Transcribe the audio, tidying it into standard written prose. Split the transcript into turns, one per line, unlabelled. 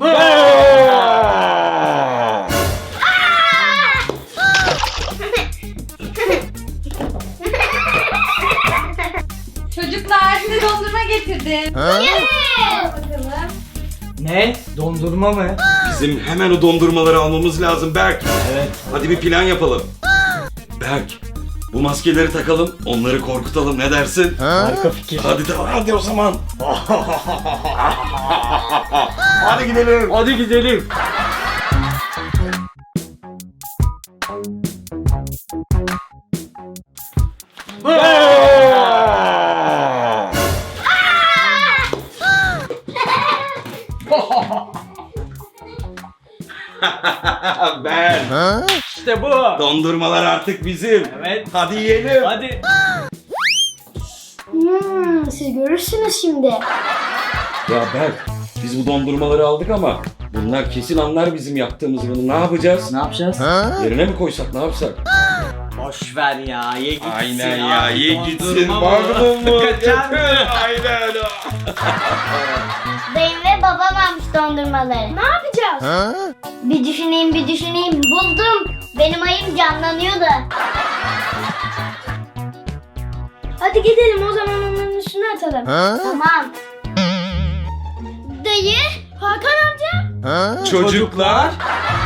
Çocuklar size dondurma getirdim. Bakalım.
Ne? Dondurma mı?
Bizim hemen o dondurmaları almamız lazım Berk.
Evet.
Hadi bir plan yapalım. Berk, bu maskeleri takalım, onları korkutalım, ne dersin?
Harika fikir.
Hadi o zaman. Hadi gidelim.
Hadi gidelim.
Ben.
İşte bu.
Dondurmalar artık bizim.
Evet.
Hadi yiyelim.
Hadi.
Siz görürsünüz şimdi.
Ya Berk, biz bu dondurmaları aldık ama bunlar kesin anlar bizim yaptığımızı. Bunu ne yapacağız?
Ne yapacağız?
Yerine mi koysak, ne yapsak?
Boş ver ya. Ye gitsin.
Aynen ya, ye gitsin.
Dondurma mı?
Magnum mu?
Kaçar mı?
Aynen.
Dayım ve babam almış dondurmaları. Ne yapacağız? Bir düşüneyim. Buldum. Benim ayım canlanıyordu. Hadi gidelim o zaman onların üstüne atalım. Tamam. Dayı, Hakan amca.
Çocuklar.